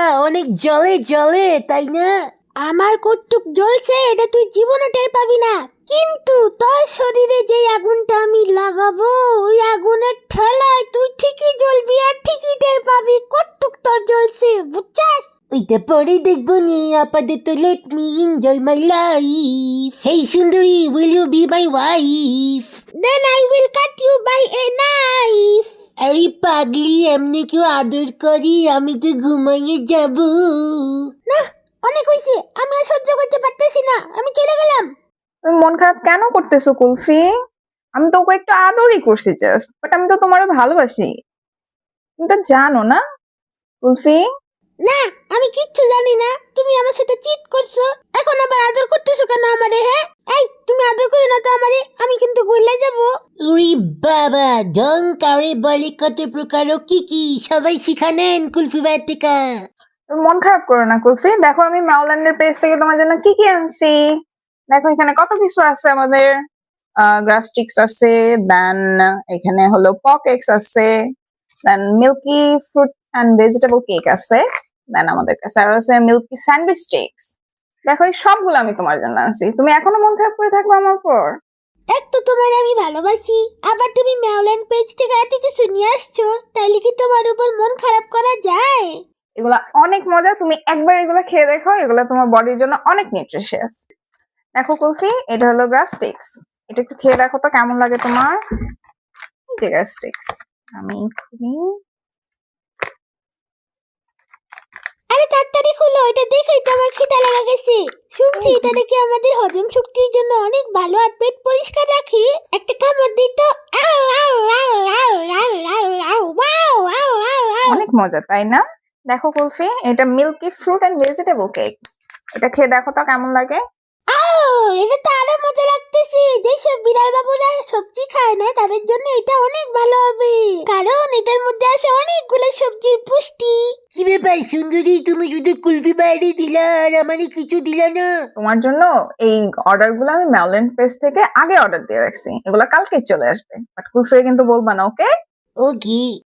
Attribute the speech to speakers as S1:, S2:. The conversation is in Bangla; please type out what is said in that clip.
S1: অনেক জলে জলে, তাই না?
S2: আমার কটুক জ্বলছে এটা তুই জীবনে টের পাবি না, কিন্তু তোর শরীরে যে আগুনটা আমি লাগাবো ওই আগুনের ঠেলায় তুই ঠিকই জ্বলবি আর ঠিকই টের পাবি কটুক তোর জ্বলছে, বুঝছাস?
S1: ওইটা পরে দেখবো নি, আপাতত let me enjoy my life. Hey সুন্দরী, will you be my wife?
S2: Then I will cut you by a knife.
S1: আরে পাগলি, এমনি কেউ আদর করি? আমি তো ঘুমাইয়ে যাব।
S2: না, অনেক হয়েছে, আমি আর সহ্য করতে পারতেছি না, আমি চলে গেলাম।
S3: তুমি মন খারাপ কেন করতেছো কুলফি? আমি তো ওকে একটু আদরই করছি জাস্ট, বাট আমি তো তোমারও ভালোবাসি। তুমি তো জানো না কুলফি?
S2: না, আমি কিচ্ছু জানি না, তুমি আমার সাথে চিট করছো, এখন আবার আদর করতেছো কেন আমারে? হ্যাঁ, এই তুমি আদর করো না তো আমারে, আমি কিন্তু গইলা যাব।
S1: উরি বাবা, ঢং কারে বলে কত প্রকার ও কি কি, সবাই শিখানেন কুলফি বাটিকা।
S3: তুমি মন খারাপ করো না কুলফি, দেখো আমি মাওল্যান্ডের পেজ থেকে তোমার জন্য কি কি আনছি। দেখো এখানে কত কিছু আছে আমাদের। গ্রাস স্টিক্স আছে, দেন এখানে হলো পক এগস আছে, then milky fruit and vegetable cake আছে, দেন আমাদের কাছে আরো আছে মিল্কি স্যান্ডউইচ স্টিক্স। দেখো এই সবগুলো আমি তোমার জন্য আনছি, তুমি এখনো মন খারাপ করে থাকবে আমার পর?
S2: এক তো তোমার আমি ভালোবাসি, আবার তুমি ম্যাওল্যান্ড পেজ থেকে এত কিছু নিয়ে আসছো, তাইলে কি তোমার উপর মন খারাপ করা যায়?
S3: এগুলা অনেক মজা, তুমি একবার এগুলা খেয়ে দেখো, এগুলা তোমার বডির জন্য অনেক নিউট্রিশিয়াস। দেখো কুলফি, এটা হলো গ্রাস স্টিক্স, এটা একটু খেয়ে দেখো তো কেমন লাগে তোমার। এই যে গ্রাস স্টিক্স, আমি
S2: আরে তাড়াতাড়ি খুলো, এটা দেখেই তো আমার খিদা লাগা গেছে। শুনছি এটা নাকি আমাদের হজম শক্তির জন্য অনেক ভালো আর পেট পরিষ্কার রাখে। একটা কামড় দিই তো। আউ, আউ, আউ, আউ, আউ, আউ, আউ, ওয়াও, আউ, আউ, আউ।
S3: অনেক মজা তাই না? দেখো কুলফি, এটা milky fruit and vegetable cake, এটা খেয়ে দেখো তো কেমন লাগে।
S2: আউ, এটা তো আরো মজা লাগতেছে। যেসব বিড়াল বাবুরা সবজি খায় না তাদের জন্য এটা অনেক ভালো হবে, কারণ এটার মধ্যে আছে অনেকগুলো সবজির পুষ্টি।
S1: কি ব্যাপার সুন্দরী, তুমি শুধু কুলফি বাইরে দিলা আর আমারে কিছু দিলা না?
S3: তোমার জন্য এই অর্ডার গুলো আমি ম্যাওল্যান্ড পেজ থেকে আগে অর্ডার দিয়ে রাখছি, এগুলা কালকে চলে আসবে, বাট কুলফি কিন্তু বলবা না, ওকে?
S1: ওকে।